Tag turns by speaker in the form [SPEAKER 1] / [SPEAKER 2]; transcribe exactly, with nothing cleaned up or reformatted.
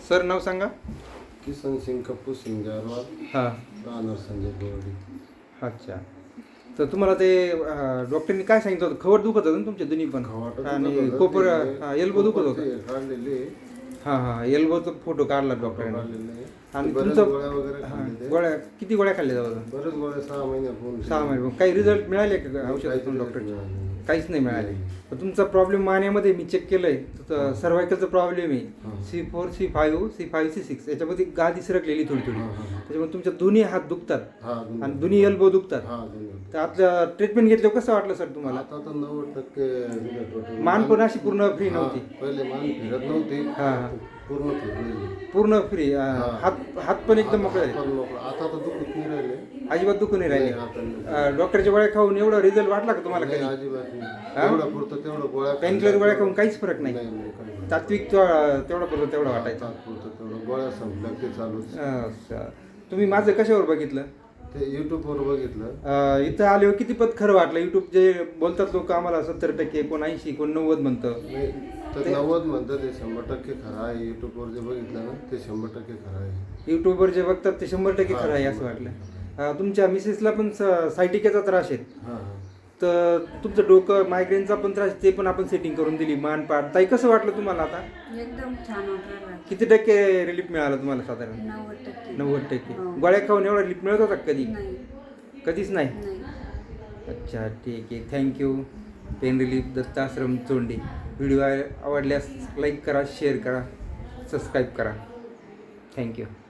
[SPEAKER 1] Sir नाव सांगा.
[SPEAKER 2] किसन सिंग कपूर सिंग जारवाल
[SPEAKER 1] हां.
[SPEAKER 2] राहणार संजय गोवडी.
[SPEAKER 1] अच्छा. तर तुम्हाला ते अं, डॉक्टरनी काय सांगितलं होतं? खवट दुखत होतं ना तुमच्या दोन्ही पण
[SPEAKER 2] खवाटं
[SPEAKER 1] आणि
[SPEAKER 2] दुखत होतं,
[SPEAKER 1] कोपर
[SPEAKER 2] ते
[SPEAKER 1] हां एल्बो दुखत होतं.
[SPEAKER 2] कोपरचे काढलेले
[SPEAKER 1] हां हां एल्बोचा फोटो काढला डॉक्टरांनी.
[SPEAKER 2] काढलेले
[SPEAKER 1] आणि
[SPEAKER 2] बरेच
[SPEAKER 1] तुमचं
[SPEAKER 2] गोळ्या वगैरे
[SPEAKER 1] हां
[SPEAKER 2] खाल्ले ते.
[SPEAKER 1] गोळ्या किती गोळ्या खाल्ल्या जातात?
[SPEAKER 2] बरेच गोळ्या सहा महिन्यापूर्वी
[SPEAKER 1] सहा महिने. काही रिझल्ट मिळाले का
[SPEAKER 2] काहीच
[SPEAKER 1] औषधातून
[SPEAKER 2] result
[SPEAKER 1] डॉक्टरचे?
[SPEAKER 2] मिळाले नाही.
[SPEAKER 1] काहीच नाही मिळाले.
[SPEAKER 2] नाही.
[SPEAKER 1] तर तुमचा प्रॉब्लेम मानेमध्ये मी चेक केलंय तर सर्वायकलचा प्रॉब्लेम आहे.
[SPEAKER 2] हां.
[SPEAKER 1] C four C five C five C six याच्यामध्ये गादी सरकलेली थोडी थोडी.
[SPEAKER 2] हां, हां, हां.
[SPEAKER 1] त्याच्यामुळे तुमच्या दोन्ही हात दुखतात
[SPEAKER 2] हा, दोन्ही.
[SPEAKER 1] आणि दोन्ही एल्बो दुखतात.
[SPEAKER 2] हा, दोन्ही.
[SPEAKER 1] तर आपल्या ट्रीटमेंट घेतल्यावर कसं वाटलं सर तुम्हाला?
[SPEAKER 2] आता तर नव्वद टक्के result होते.
[SPEAKER 1] मान पण अशी पूर्ण फ्री
[SPEAKER 2] हा,
[SPEAKER 1] नव्हती.
[SPEAKER 2] पहिले मान फिरत नव्हती.
[SPEAKER 1] हां, हां.
[SPEAKER 2] पूर्ण फिरलेली.
[SPEAKER 1] पूर्ण फ्री.
[SPEAKER 2] हां.
[SPEAKER 1] हात हात पण एकदम मोकळे
[SPEAKER 2] हात
[SPEAKER 1] झाले.
[SPEAKER 2] पण मोकळा. आता तर दुखत नाही राहिले.
[SPEAKER 1] अजिबात दुखून नाही राहिले.
[SPEAKER 2] नाही, आता नाही.
[SPEAKER 1] अं, डॉक्टरच्या गोळ्या खाऊन एवढा रिझल्ट वाटला का तुम्हाला
[SPEAKER 2] नाही,
[SPEAKER 1] कधी?
[SPEAKER 2] अजिबात नाही.
[SPEAKER 1] हा?
[SPEAKER 2] तेवढं पुरतं तेवढं गोळ्या
[SPEAKER 1] पेनकिलर गोळ्या खाऊन काहीच फरक नाही.
[SPEAKER 2] नाही, नाही, काही नाही.
[SPEAKER 1] तात्विक तेवढा तेवढा पुरतं तेवढा वाटायचा.
[SPEAKER 2] तात्पुरतं तेवढं गोळ्या संपल्या ते चालूच.
[SPEAKER 1] अच्छा. तुम्ही माझं कशावर बघितलं?
[SPEAKER 2] ते युट्यूबवर बघितलं.
[SPEAKER 1] अं, इथं आल्यावर किती पत खरं वाटलं? युट्यूब जे बोलतात लोक आम्हाला सत्तर टक्के कोण ऐंशी कोण नव्वद म्हणतं.
[SPEAKER 2] नाही, तर नव्वद म्हणतं ते शंभर टक्के खरं आहे. युट्यूबवर जे बघितलं ना ते शंभर टक्के खरं आहे.
[SPEAKER 1] युट्यूबवर जे बघतात ते शंभर टक्के खरं आहे असं वाटलं. अं, तुमच्या मिसेसला पण स- सायटिकेचा त्रास आहे.
[SPEAKER 2] हां हां.
[SPEAKER 1] तर तुमचं डोकं मायग्रेनचा पण त्रास ते पण आपण सेटिंग करून दिली. मान पाठ ताई कसं वाटलं तुम्हाला आता?
[SPEAKER 3] एकदम छान वाटलं.
[SPEAKER 1] किती टक्के रिलीफ मिळालं तुम्हाला साधारण?
[SPEAKER 3] नव्वद टक्के.
[SPEAKER 1] नव्वद टक्के.
[SPEAKER 3] हो.
[SPEAKER 1] गोळ्या खाऊन एवढा रिलीफ मिळत होता का कधी?
[SPEAKER 3] नाही
[SPEAKER 1] कधीच नाही.
[SPEAKER 3] नाही.
[SPEAKER 1] अच्छा ठीक आहे. Thank you. Pain relief Dattashram Chondi. Video आवडल्यास लाईक करा, शेअर करा, सबस्क्राईब करा. थँक्यू.